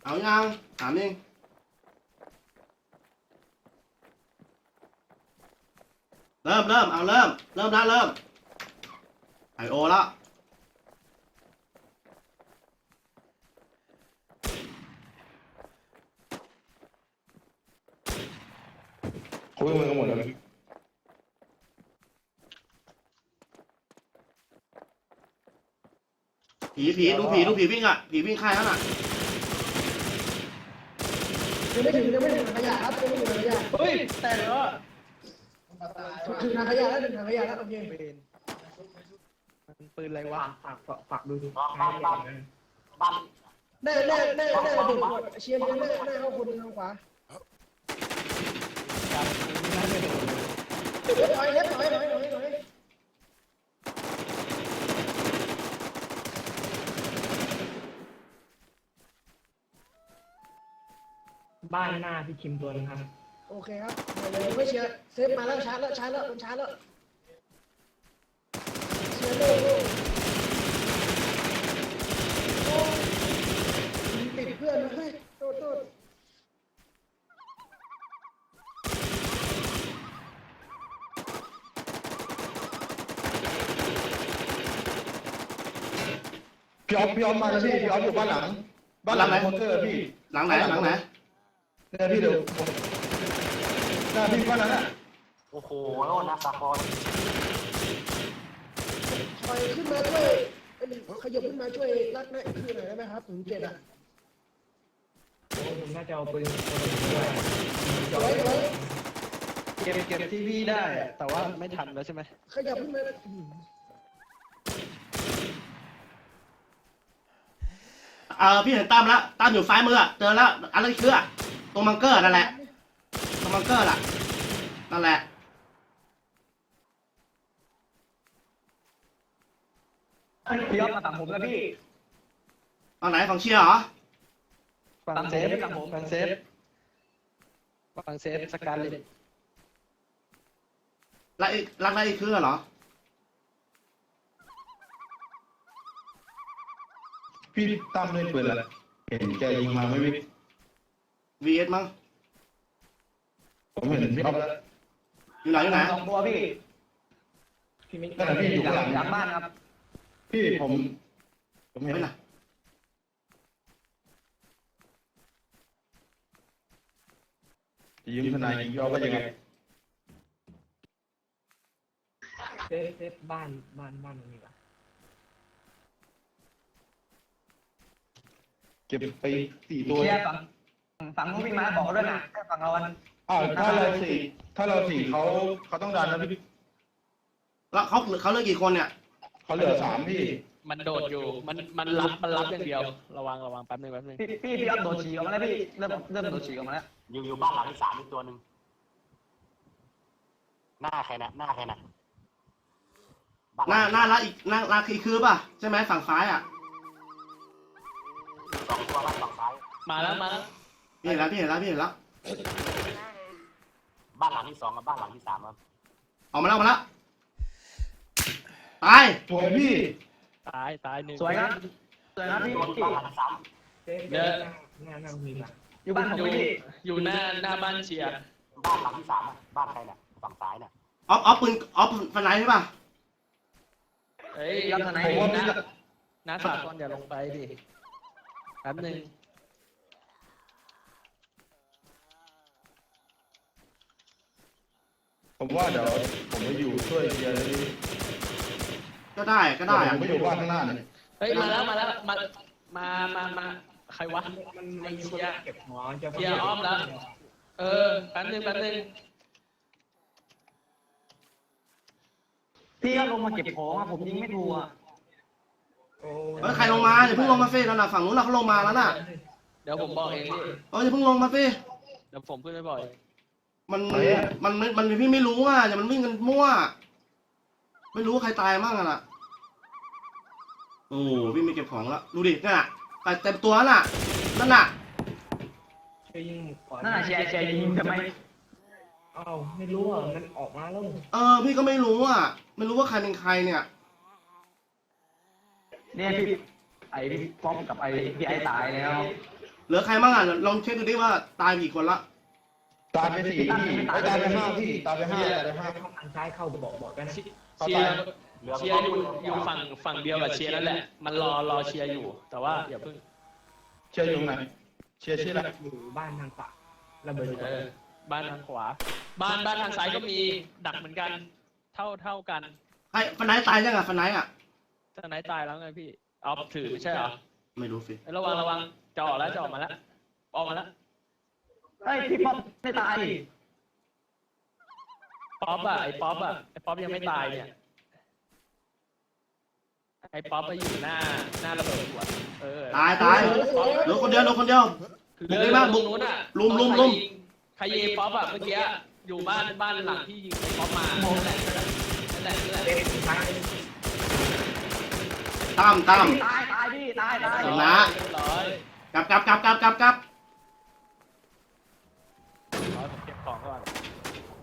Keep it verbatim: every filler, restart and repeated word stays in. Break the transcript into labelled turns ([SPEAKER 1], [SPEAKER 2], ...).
[SPEAKER 1] เอายังถามเองเริ่มเริ่มเอาเริ่มเริ่มแล้วเริ่มไอโอแล้ว
[SPEAKER 2] คุยกันหมดแล้ว
[SPEAKER 1] ผีผีดูผีดูผีวิ่งอ่ะผีวิ่งค่ายนั่นอ่ะ
[SPEAKER 3] ยังไม่ถึงยังไม่ถึงถังขยะครับยังไม่ถึงถังขยะ
[SPEAKER 4] เฮ้ยแต่เหรอ
[SPEAKER 3] ถึงถังขยะแล้วถึงถังขยะแล้วโอเค
[SPEAKER 4] เป็นมันปืนอะไรวะ
[SPEAKER 5] ฝากฝากดูดู
[SPEAKER 6] บ้านบ้านบ้าน
[SPEAKER 3] แน่แน่แน่แน่เด็กเชียร์เชียร์แน่แน่เข้าคนทางขวาเล็บถอยเล็บถอยถอยถอยถอย
[SPEAKER 5] บ้านหน้าพี่คิมตัวนึงครับ
[SPEAKER 3] โอเคครับเดี๋ยวไม่เชียร์เซฟมาแล้วชาร์จแล้วชาร์จแล้วมันชาร์จแล้วเชียร์เลยโอ้ติดเพื่อนนะเฮ้ยโทษโทษ
[SPEAKER 2] พี่ออฟพี่ออฟมาแล้วพี่พี่ออฟอยู่บ้านหลังบ้านหลังไหนมอนเตอร์พี่
[SPEAKER 1] หลังไหนหลังไหน
[SPEAKER 2] เนี่ยพี่เดี๋ยวหน้าพี่บ้านนั้นอ่ะ
[SPEAKER 6] โอ้โหโน่นนะสาคร
[SPEAKER 3] ถอยขึ้นมาช่วยขยับขึ้นมาช่วยรัดหน้าอีกคือหน่อยได้ไหมครับถึงเจ็ดอ่ะ
[SPEAKER 5] โอ้ผมน่าจะเอาปืนตัวนึงด้วย
[SPEAKER 3] ถอยถอย
[SPEAKER 4] เก็บเก็บที่พี่ได้อะแต่ว่าไม่ทันแล้วใช่ไหม
[SPEAKER 3] ขยับขึ้นมา
[SPEAKER 1] เออพี่เห็นตั้มแล้วตั้มอยู่ซ้ายมือเจอแล้วอะไรคืออะตรงบังเกอร์นั่นแหละตรงบังเกอร์ล่ะนั่นแหละ
[SPEAKER 4] พี่ออฟมาฝั่งผมแล้วพี่
[SPEAKER 1] เอาไหนฝั่งเชียร์เหรอ
[SPEAKER 4] ฝั่งเซฟฝั่งผมฝั่งเซฟฝั่งเซฟสการเลต
[SPEAKER 1] รักอีกรักอะไรอีกคือเหรอ
[SPEAKER 2] พี่ตั้มเล่นปืนอะไรเห็นแกยิงมาไม่วิ่ง
[SPEAKER 1] วีเอสมั้ง
[SPEAKER 2] ผมเห็นพี่ออฟแล้ว
[SPEAKER 1] อยู่ไหนอยู่ไหน
[SPEAKER 4] สองตัวพี่
[SPEAKER 5] พี่ไม่
[SPEAKER 2] นั่นแหละพี่อยู่ข้างหลัง
[SPEAKER 4] หลังบ้านครับ
[SPEAKER 2] พี่ผมผมเห็น
[SPEAKER 1] ไม่น่ะ
[SPEAKER 2] ยืมทนายยิงพี่ออฟว่ายังไง
[SPEAKER 5] เซฟเซฟบ้านบ้านบ้านตรงนี้ก่อน
[SPEAKER 2] เก็บไปสี่ตัว
[SPEAKER 4] เคลียร์ฝั่งฝั่งนู้นวิ่งมาบอกด้วยนะแค่ฝั่งเราอัน
[SPEAKER 2] อ้าวถ้าเราสี่ถ้าเราสี่เขาเขาต้องดันนะพี่
[SPEAKER 1] แล้วเขาเขาเลือกกี่คนเนี่ย
[SPEAKER 2] เขาเหลือสามพี่
[SPEAKER 7] มันโดดอยู่ มัน มันรับ มันรับอย่างเดียว ระวัง ระวังแป๊บนึงแป๊บนึง
[SPEAKER 4] พี่พี่พี่ออฟโดดฉีกออกมาแล้วพี่เริ่มเริ่มโดดฉีกออกมาแล้ว
[SPEAKER 6] อยู่อยู่บ้านหลังที่สามอีกตัวหนึ่งหน้าใครนะหน้าใครนะ
[SPEAKER 1] หน้าหน้ารักอีกหน้ารักอีกคือป่ะใช่ไหมฝั่งซ้ายอ่ะ
[SPEAKER 6] สองตัวบ้านฝั่งซ้าย
[SPEAKER 7] มาแล้ว มาแล้ว
[SPEAKER 1] พี่เห็นแล้วพี่เห็นแล้วพี่เห็นแล้ว
[SPEAKER 6] บ้านหลังที่สองกับบ้านหลังที่สามครับ
[SPEAKER 1] ออกมาแล้วออกมาแล้วตาย
[SPEAKER 2] สวยพี่
[SPEAKER 7] ตาย ตายหนึ่ง
[SPEAKER 4] สวยครับสวยครับพี่
[SPEAKER 6] ตัวที่บ้านหลังที่สาม
[SPEAKER 5] เซฟหน้าหน้าหน้ามีป่ะ
[SPEAKER 4] อยู่บ้านผม
[SPEAKER 7] อยู่
[SPEAKER 4] พี่
[SPEAKER 7] อยู่หน้า หน้าบ้านเชียร์
[SPEAKER 6] บ้านหลังที่สามอะบ้านใครเนี่ยฝั่งซ้ายเนี่ย
[SPEAKER 1] ออฟออฟปืนออฟฟันไหนใช่ป่ะ
[SPEAKER 7] เฮ้ย
[SPEAKER 4] พี่ออฟทางไหน
[SPEAKER 2] ผมว่าพี่
[SPEAKER 7] น้าน้าสากลอย่าลงไปดิ แป๊บนึง
[SPEAKER 2] ผมว่าเดี๋ยวผมไปอยู่ช่วยเชียร์เลยพี่
[SPEAKER 1] ก็ได้ก็ได้
[SPEAKER 2] ผ
[SPEAKER 1] อะ
[SPEAKER 2] มไปอยู่บ้านข้างหน้าเนี่ย
[SPEAKER 7] เฮ้ย มาแล้ว มาแล้ว มา มา มา มา ใครวะ
[SPEAKER 5] มันมันมีคนเก็บหัวจะ
[SPEAKER 7] เชียร์อ้อมแล้ว เออ แป๊บนึง แป๊บนึง
[SPEAKER 4] พี่ก็ลงมาเก็บของอะผมยิงไม่ถูกอะ
[SPEAKER 5] โอ้
[SPEAKER 1] เฮ้ยใครลงมาอย่าเพิ่งลงมาเฟ้แล้วนะฝั่งนู้นน่ะเขาลงมาแล้วน่ะ
[SPEAKER 7] เดี๋ยวผมบอกเองพี่
[SPEAKER 1] เอออย่าเพิ่งลงมาเฟ้
[SPEAKER 7] เดี๋ยวผมขึ้นไปบ่อย
[SPEAKER 1] มันมันมันมันพี่ไม่รู้อ่ะอย่ามันวิ่งกันมั่วไม่รู้ว่าใครตายมั่งอ่ะน่ะโอ้วิ่งไปเก็บของแล้วดูดินั่นน่ะตายเต็มตัวน่ะนั่นน่ะ
[SPEAKER 5] ช่วยยิงก่อน
[SPEAKER 4] นั่นน่ะเชียร์เชียร์ยิงทำไม
[SPEAKER 5] อ้าวไม่รู้อ่ะมันออกมาแล้ว
[SPEAKER 1] เออพี่ก็ไม่รู้อ่ะไม่รู้ว่าใครเป็นใครเนี่ย
[SPEAKER 4] เนี่ยพี่ไอ้พี่ป๊อปกับไอ้พี่ไอ้ตายแล้ว
[SPEAKER 1] เหลือใครบ้างอ่ะลองเช็คดูดิว่าตายกี่คนละ
[SPEAKER 2] ตายไปสี่พี่ไม่ตายไปห้าพี่ตายไปห้าตายไปห้า
[SPEAKER 5] ทางซ้ายเข้าบอกบอกกันนะ
[SPEAKER 7] เชียร์เชียร์อยู่อยู่ฝั่งฝั่งเดียวกับเชียร์นั่นแหละ มันรอรอเชียร์อยู่ แต่ว่าอย่าเพิ่ง
[SPEAKER 2] เชียร์อยู่ไหนเชียร์ชื่ออะไร
[SPEAKER 5] อยู่บ้านทางขวาระเบิดอยู่
[SPEAKER 7] เออบ้านทางขวา บ้านบ้านทางซ้ายก็มีดักเหมือนกัน เท่าเท่ากัน
[SPEAKER 1] ไอ้ฟันไหนตายยังอ่ะฟันไหนอ่ะ
[SPEAKER 7] ทนายตายแล้วไงพี่เอาถือไม่ใช่เหรอ
[SPEAKER 1] ไม่รู้สิ
[SPEAKER 7] เอ้ยระวังระวังจะออกแล้วจะออกมาแล้วออกมาแล้ว
[SPEAKER 4] เฮ้ยพี่ป๊อปไม่ตาย
[SPEAKER 7] ป๊อปอะไอ้ป๊อปอะไอ้ป๊อปยังไม่ตายเนี่ยไอ้ป๊อปไปอยู่หน้าหน้าระเบิดหัวเออ
[SPEAKER 1] ตายตายเหลือคนเดียวเหลือคนเดียว
[SPEAKER 7] เรือบ้านบุกนู้นอะ
[SPEAKER 1] ลุมลุมลุม
[SPEAKER 7] ใครยิงป๊อปอะเมื่อกี้อยู่บ้านบ้านหลังที่ยิงไอ้ป๊อปมานั่นแหละนั่นแหละนั่นแหละ
[SPEAKER 5] เอ็มซ้าย
[SPEAKER 1] ตั้มตั้ม
[SPEAKER 4] ตายตายพี่ตายตาย
[SPEAKER 1] เห็นนะ
[SPEAKER 7] เรียบร้อย
[SPEAKER 1] กลับกลับกลับกลับกลับกลับ
[SPEAKER 7] ร้อยผมเก็บของก่อน